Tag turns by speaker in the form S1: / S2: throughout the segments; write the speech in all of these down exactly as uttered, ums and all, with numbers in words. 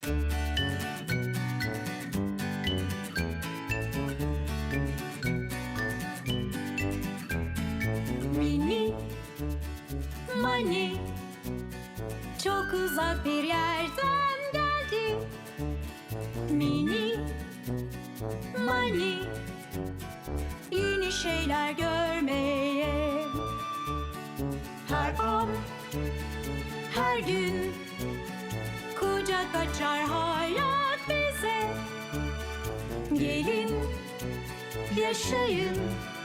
S1: Mini Mani çok uzak bir yerden geldi. Mini Mani yeni şeyler görmeye. Her an, her gün kucak açar hayat bize. Gelin, yaşayın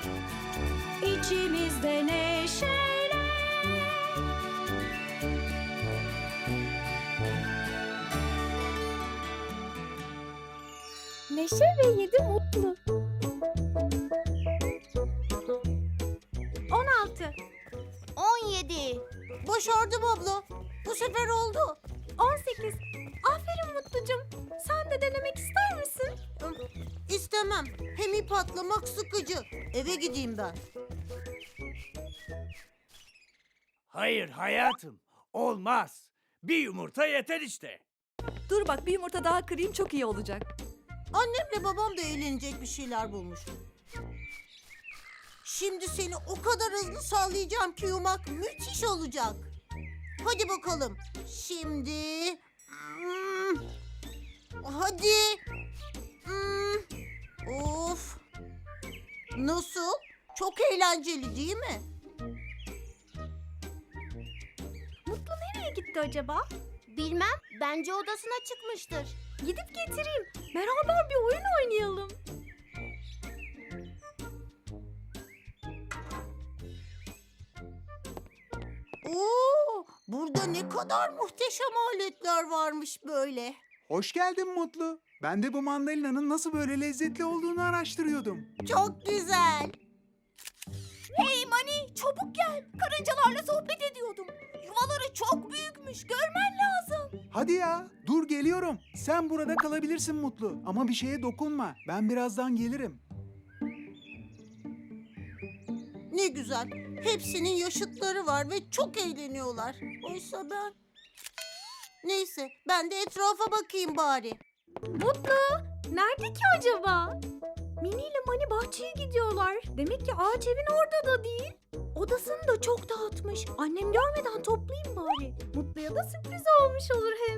S1: içimizde neşeyle.
S2: Neşe ve yedi mutlu. On altı.
S3: On yedi. Başardım abla. Bu sefer oldu.
S2: On sekiz. Aferin Mutlucum. Sen de denemek ister misin?
S3: İstemem. Hem ip atlamak sıkıcı. Eve gideyim ben.
S4: Hayır hayatım, olmaz. Bir yumurta yeter işte.
S5: Dur bak, bir yumurta daha kırayım, çok iyi olacak.
S3: Annemle babam da eğlenecek bir şeyler bulmuş. Şimdi seni o kadar hızlı sallayacağım ki yumak müthiş olacak. Hadi bakalım. Şimdi... Hmm, hadi. Hmm, of. Nasıl? Çok eğlenceli değil mi?
S2: Mutlu nereye gitti acaba?
S3: Bilmem. Bence odasına çıkmıştır.
S2: Gidip getireyim. Beraber bir oyun oynayalım.
S3: Oo, burada ne kadar muhteşem aletler varmış böyle.
S6: Hoş geldin Mutlu. Ben de bu mandalinanın nasıl böyle lezzetli olduğunu araştırıyordum.
S3: Çok güzel.
S2: Hey Mani, çabuk gel. Karıncalarla sohbet ediyordum. Yuvaları çok büyükmüş. Görmen lazım.
S6: Hadi ya, dur geliyorum. Sen burada kalabilirsin Mutlu. Ama bir şeye dokunma. Ben birazdan gelirim.
S3: Ne güzel. Hepsinin yaşıtları var ve çok eğleniyorlar. Oysa ben... Neyse, ben de etrafa bakayım bari.
S2: Mutlu, nerede ki acaba? Mini ile Mani bahçeye gidiyorlar. Demek ki ağaç evin orada da değil. Odasını da çok dağıtmış. Annem görmeden toplayayım bari. Mutlu'ya da sürpriz olmuş olur hem.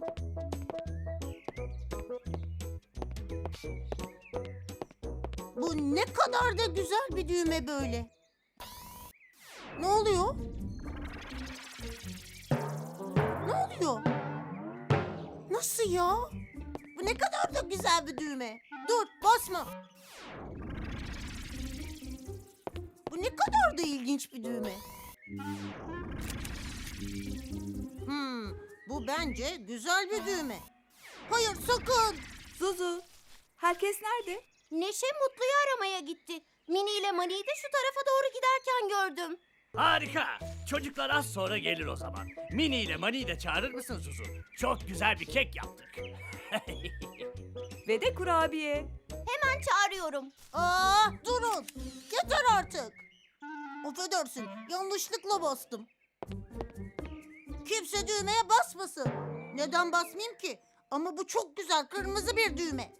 S3: Bu ne kadar da güzel bir düğme böyle. Ne oluyor? Ne oluyor? Nasıl ya? Bu ne kadar da güzel bir düğme. Dur, basma. Bu ne kadar da ilginç bir düğme. Hmm, bu bence güzel bir düğme. Hayır, sakın.
S5: Zuzu, herkes nerede?
S3: Neşe Mutlu'yu aramaya gitti. Mini ile Mani'yi de şu tarafa doğru giderken gördüm.
S4: Harika. Çocuklar az sonra gelir o zaman. Mini ile Mani'yi de çağırır mısın Zuzu? Çok güzel bir kek yaptık.
S5: Ve de kurabiye.
S3: Hemen çağırıyorum. Aa, durun. Yeter artık. Affedersin, yanlışlıkla bastım. Kimse düğmeye basmasın. Neden basmayayım ki? Ama bu çok güzel kırmızı bir düğme.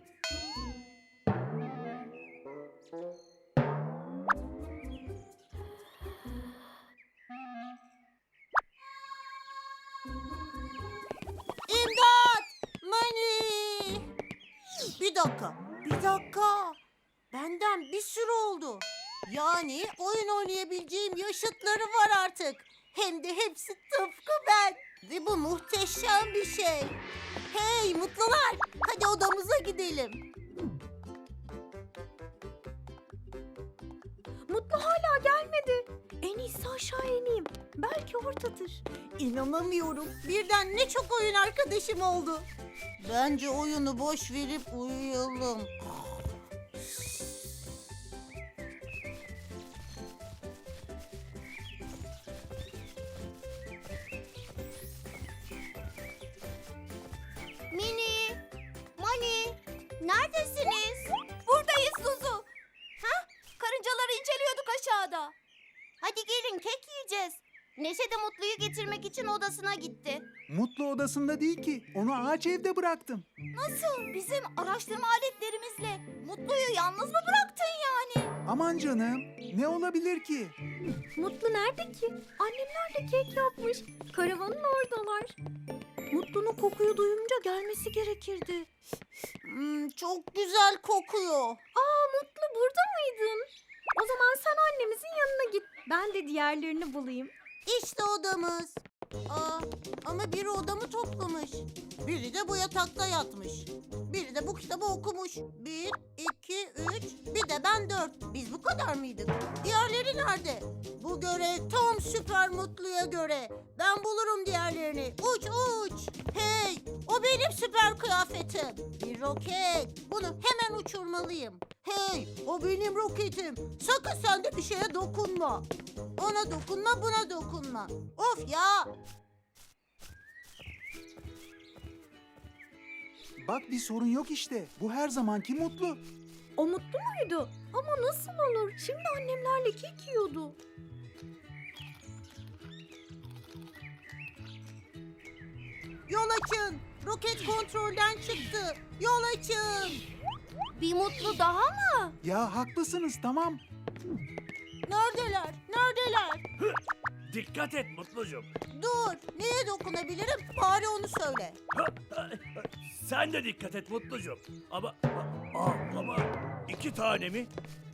S3: İmdat! Mani! Bir dakika, bir dakika. Benden bir sürü oldu. Yani oyun oynayabileceğim yaşıtları var artık. Hem de hepsi tıpkı ben. Ve bu muhteşem bir şey. Hey mutlular, hadi odamıza gidelim.
S2: Mutlu hala gelmedi. En iyisi aşağı ineyim. Belki oradadır.
S3: İnanamıyorum. Birden ne çok oyun arkadaşım oldu. Bence oyunu boş verip uyuyalım. Mini, Mani, neredesiniz?
S2: Buradayız Zuzu. Ha? Karıncaları inceliyorduk aşağıda.
S3: Hadi gelin kek yiyeceğiz. Neşe de Mutlu'yu getirmek için odasına gitti.
S6: Mutlu odasında değil ki. Onu ağaç evde bıraktım.
S2: Nasıl? Bizim araştırma aletlerimizle Mutlu'yu yalnız mı bıraktın yani?
S6: Aman canım, ne olabilir ki?
S2: Mutlu nerede ki? Annemler de kek yapmış. Karavanın oradalar. Mutlu'nun kokuyu duyunca gelmesi gerekirdi.
S3: Hmm, çok güzel kokuyor.
S2: Aa Mutlu burada mıydın? O zaman sen annemizin yanına git. Ben de diğerlerini bulayım.
S3: İşte odamız. Aa, ama biri odamı toplamış. Biri de bu yatakta yatmış. Biri de bu kitabı okumuş. Bir, iki, üç, bir de ben dört. Biz bu kadar mıydık? Diğerleri nerede? Bu görev tam Süper Mutlu'ya göre. Ben bulurum diğerlerini. Uç uç. Hey, o benim süper kıyafetim. Bir roket. Bunu hemen uçurmalıyım. Hey, o benim roketim. Sakın sen de bir şeye dokunma. Ona dokunma, buna dokunma. Of ya!
S6: Bak bir sorun yok işte. Bu her zamanki Mutlu.
S2: O Mutlu muydu? Ama nasıl olur? Şimdi annemlerle kek yiyordu.
S3: Yol açın. Roket kontrolden çıktı. Yol açın.
S2: Bir Mutlu daha mı?
S6: Ya haklısınız, tamam.
S3: Neredeler? Neredeler?
S4: Dikkat et Mutlucuğum.
S3: Dur. Neye dokunabilirim? Bari onu söyle.
S4: Sen de dikkat et Mutlucuğum. Ama, aa, ama iki tane mi?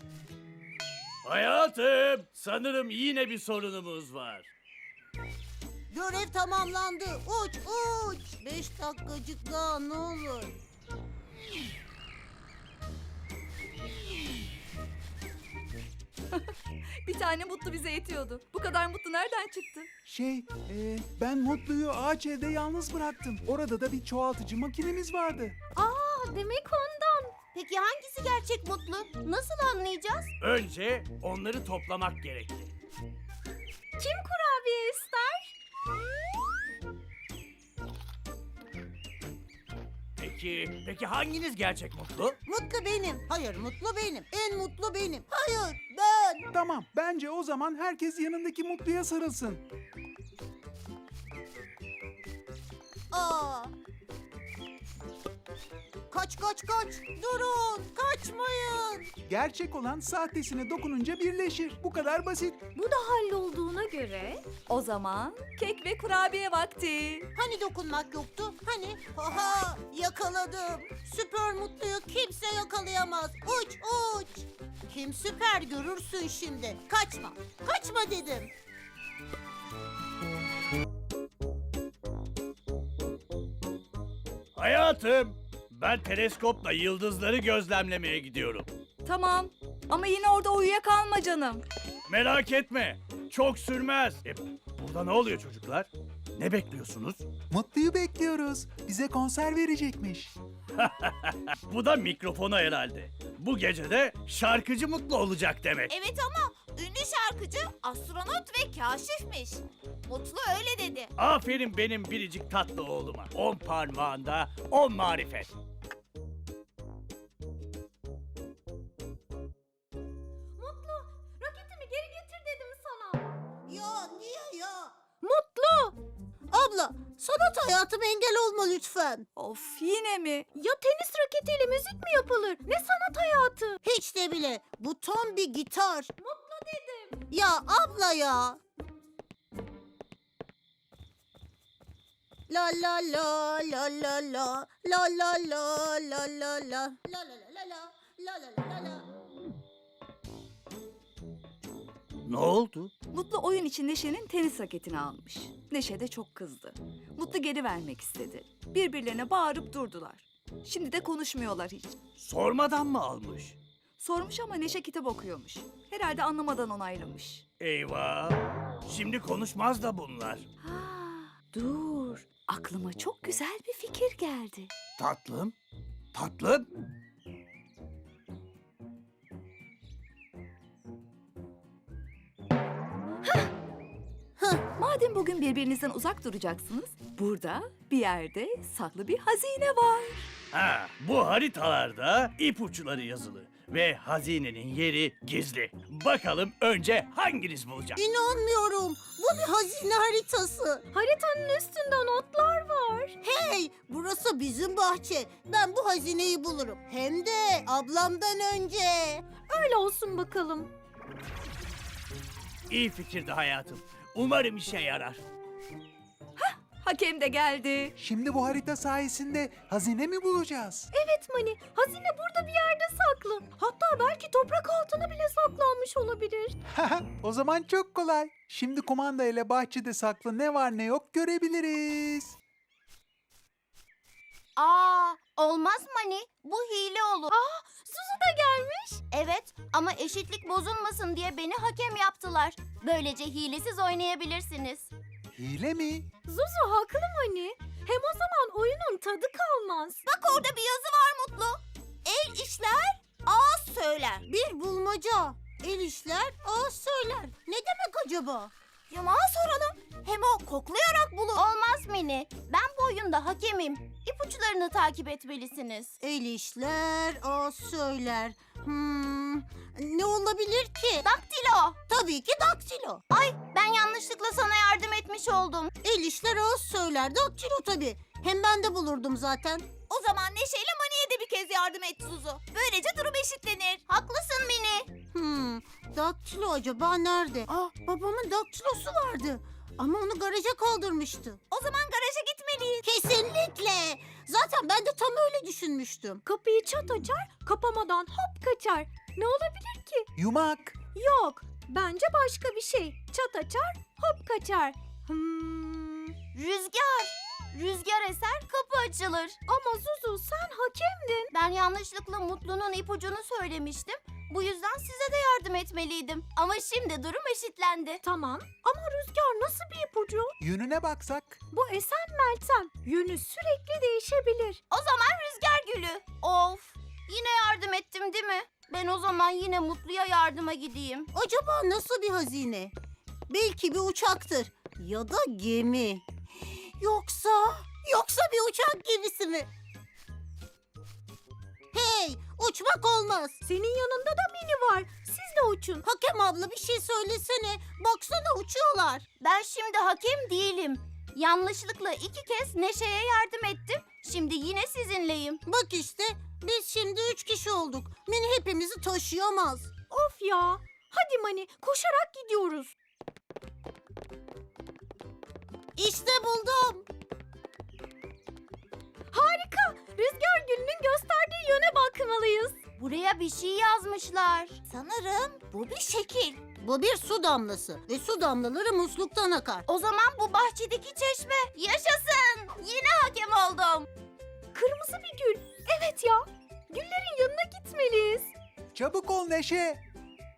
S4: Hayatım, sanırım yine bir sorunumuz var.
S3: Görev tamamlandı. Uç uç. Beş dakikacık daha ne olur.
S5: Bir tane Mutlu bize yetiyordu. Bu kadar Mutlu nereden çıktı?
S6: Şey, e, ben Mutlu'yu ağaç evde yalnız bıraktım. Orada da bir çoğaltıcı makinemiz vardı.
S2: Aa demek ondan. Peki hangisi gerçek Mutlu? Nasıl anlayacağız?
S4: Önce onları toplamak gerekli.
S2: Kim kurabiye ister?
S4: Peki, peki hanginiz gerçek Mutlu?
S3: Mutlu benim. Hayır, mutlu benim. En mutlu benim. Hayır, ben.
S6: Tamam, bence o zaman herkes yanındaki Mutlu'ya sarılsın.
S3: Aa. Kaç kaç kaç. Durun. Kaçmayın.
S6: Gerçek olan sahtesine dokununca birleşir. Bu kadar basit.
S2: Bu da hallolduğuna göre
S5: O zaman kek ve kurabiye vakti.
S3: Hani dokunmak yoktu? Hani? Haha, yakaladım. Süper Mutlu'yu kimse yakalayamaz. Uç uç. Kim süper görürsün şimdi. Kaçma. Kaçma dedim.
S4: Hayatım, ben teleskopla yıldızları gözlemlemeye gidiyorum.
S5: Tamam ama yine orada uyuyakalma canım.
S4: Merak etme, çok sürmez. E, burada ne oluyor çocuklar? Ne bekliyorsunuz?
S6: Mutlu'yu bekliyoruz. Bize konser verecekmiş.
S4: Bu da mikrofonu herhalde. Bu gece de şarkıcı Mutlu olacak demek.
S2: Evet ama ünlü şarkıcı astronot ve kaşifmiş. Mutlu öyle dedi.
S4: Aferin benim biricik tatlı oğluma. On parmağında on marifet.
S2: Mutlu roketimi geri getir dedim sana.
S3: Ya niye ya?
S2: Mutlu!
S3: Abla, sanat hayatıma engel olma lütfen.
S5: Of yine mi?
S2: Ya tenis raketiyle müzik mi yapılır? Ne sanat hayatı?
S3: Hiç de bile. Bu tam bir gitar.
S2: Mutlu dedim.
S3: Ya abla ya. La la la la la la la la la la la la la la la la la la la la.
S4: Ne oldu?
S5: Mutlu oyun için Neşe'nin tenis raketini almış. Neşe de çok kızdı. Mutlu geri vermek istedi. Birbirlerine bağırıp durdular. Şimdi de konuşmuyorlar hiç.
S4: Sormadan mı almış?
S5: Sormuş ama Neşe kitap okuyormuş. Herhalde anlamadan onaylamış.
S4: Eyvah! Şimdi konuşmaz da bunlar.
S5: Ha, dur. Aklıma çok güzel bir fikir geldi.
S4: Tatlım, tatlım.
S5: Madem bugün birbirinizden uzak duracaksınız, burada bir yerde saklı bir hazine var.
S4: Ha, bu haritalarda ipuçları yazılı ve hazinenin yeri gizli. Bakalım önce hanginiz bulacak?
S3: İnanmıyorum. Bu bir hazine haritası.
S2: Haritanın üstünde notlar var.
S3: Hey, burası bizim bahçe. Ben bu hazineyi bulurum. Hem de ablamdan önce.
S2: Öyle olsun bakalım.
S4: İyi fikirdi hayatım. Umarım işe yarar.
S5: Hakem de geldi.
S6: Şimdi bu harita sayesinde hazine mi bulacağız?
S2: Evet Mani, hazine burada bir yerde saklı. Hatta belki toprak altına bile saklanmış olabilir.
S6: O zaman çok kolay. Şimdi kumanda ile bahçede saklı ne var ne yok görebiliriz.
S7: Aa, olmaz Mani. Bu hile olur.
S2: Aa, Suzu da gelmiş.
S7: Evet ama eşitlik bozulmasın diye beni hakem yaptılar. Böylece hilesiz oynayabilirsiniz.
S6: Hile mi?
S2: Zuzu haklı Mani. Hem o zaman oyunun tadı kalmaz.
S7: Bak orada bir yazı var Mutlu. El işler, ağız söyler.
S3: Bir bulmaca. El işler, ağız söyler. Ne demek acaba?
S7: Yumağa soralım. Hem o koklayarak bulur. Olmaz Mini. Ben bu oyunda hakemim. İpuçlarını takip etmelisiniz.
S3: El işler, ağız söyler. Hmm, ne olabilir ki?
S7: Daktilo.
S3: Tabii ki daktilo.
S7: Ay ben yanlışlıkla sana yardım etmiş oldum.
S3: El işler, ağız söyler. Daktilo tabii. Hem ben de bulurdum zaten.
S7: O zaman Neşe ile Mani'ye de bir kez yardım et Zuzu. Böylece durum eşitlenir. Haklısın Mini.
S3: Hmm, daktilo acaba nerede? Ah, babamın daktilosu vardı. Ama onu garaja kaldırmıştı.
S7: O zaman garaja gitmeliyiz.
S3: Kesinlikle. Zaten ben de tam öyle düşünmüştüm.
S2: Kapıyı çat açar, kapamadan hop kaçar. Ne olabilir ki?
S6: Yumak.
S2: Yok, bence başka bir şey. Çat açar, hop kaçar. Hmm.
S7: Rüzgar. Rüzgar eser kapı açılır.
S2: Ama Zuzu sen hakemdin.
S7: Ben yanlışlıkla Mutlu'nun ipucunu söylemiştim. Bu yüzden size de yardım etmeliydim. Ama şimdi durum eşitlendi.
S2: Tamam ama Rüzgar nasıl bir ipucu?
S6: Yönüne baksak.
S2: Bu esen Meltem. Yönü sürekli değişebilir.
S7: O zaman Rüzgar Gülü. Of. Yine yardım ettim değil mi? Ben o zaman yine Mutlu'ya yardıma gideyim.
S3: Acaba nasıl bir hazine? Belki bir uçaktır. Ya da gemi. Yoksa... Yoksa bir uçak gemisi mi? Hey! Uçmak olmaz.
S2: Senin yanında da Mini var. Siz de uçun.
S3: Hakem abla bir şey söylesene. Baksana uçuyorlar.
S7: Ben şimdi hakem değilim. Yanlışlıkla iki kez Neşe'ye yardım ettim. Şimdi yine sizinleyim.
S3: Bak işte biz şimdi üç kişi olduk. Mini hepimizi taşıyamaz.
S2: Of ya. Hadi Mani koşarak gidiyoruz.
S3: İşte buldum.
S2: Harika. Rüzgar Gülü'nün gösterdiği yöne bakmalıyız.
S7: Buraya bir şey yazmışlar. Sanırım bu bir şekil.
S3: Bu bir su damlası ve su damlaları musluktan akar.
S7: O zaman bu bahçedeki çeşme. Yaşasın. Yine hakem oldum.
S2: Kırmızı bir gül. Evet ya. Güllerin yanına gitmeliyiz.
S6: Çabuk ol Neşe.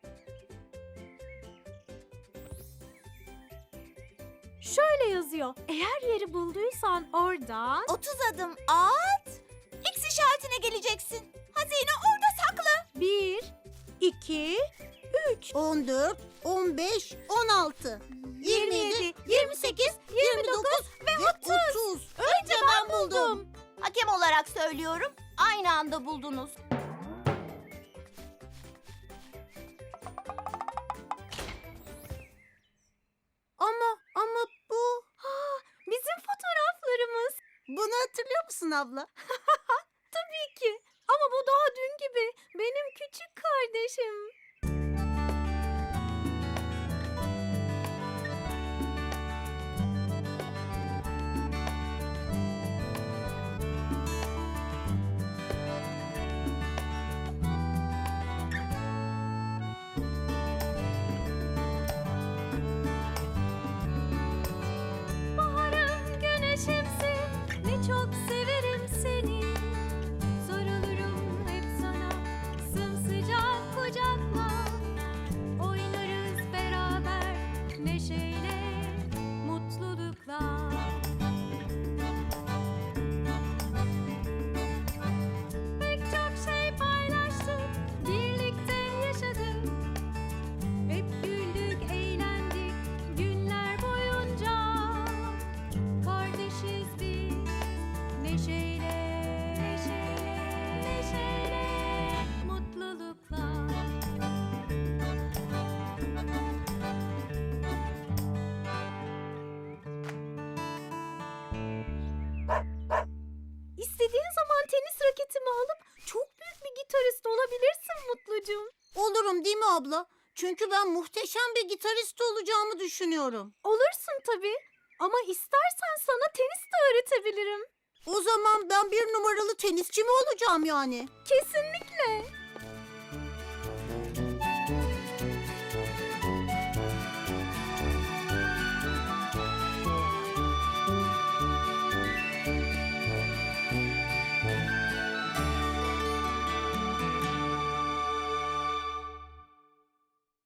S2: Şöyle yazıyor. Eğer yeri bulduysan oradan...
S7: otuz adım at. X işaretine geleceksin. Hazine orada saklı.
S2: Bir, iki, üç.
S3: on dört, on beş, on altı, yirmi yedi, yirmi sekiz, yirmi dokuz ve otuz.
S7: Önce ben buldum. Hakem olarak söylüyorum. Aynı anda buldunuz.
S3: Ama ama bu...
S2: Bizim fotoğraflarımız.
S3: Bunu hatırlıyor musun abla?
S2: Tabii ki. Ama bu daha dün gibi. Benim küçük kardeşim. Baharım güneşimsin, ne çok severim seni. Sarılırım hep sana, sımsıcak kucaklarımda. zaman tenis raketimi alıp çok büyük bir gitarist olabilirsin Mutlucuğum.
S3: Olurum değil mi abla? Çünkü ben muhteşem bir gitarist olacağımı düşünüyorum.
S2: Olursun tabii. Ama istersen sana tenis de öğretebilirim.
S3: O zaman ben bir numaralı tenisçi mi olacağım yani?
S2: Kesinlikle.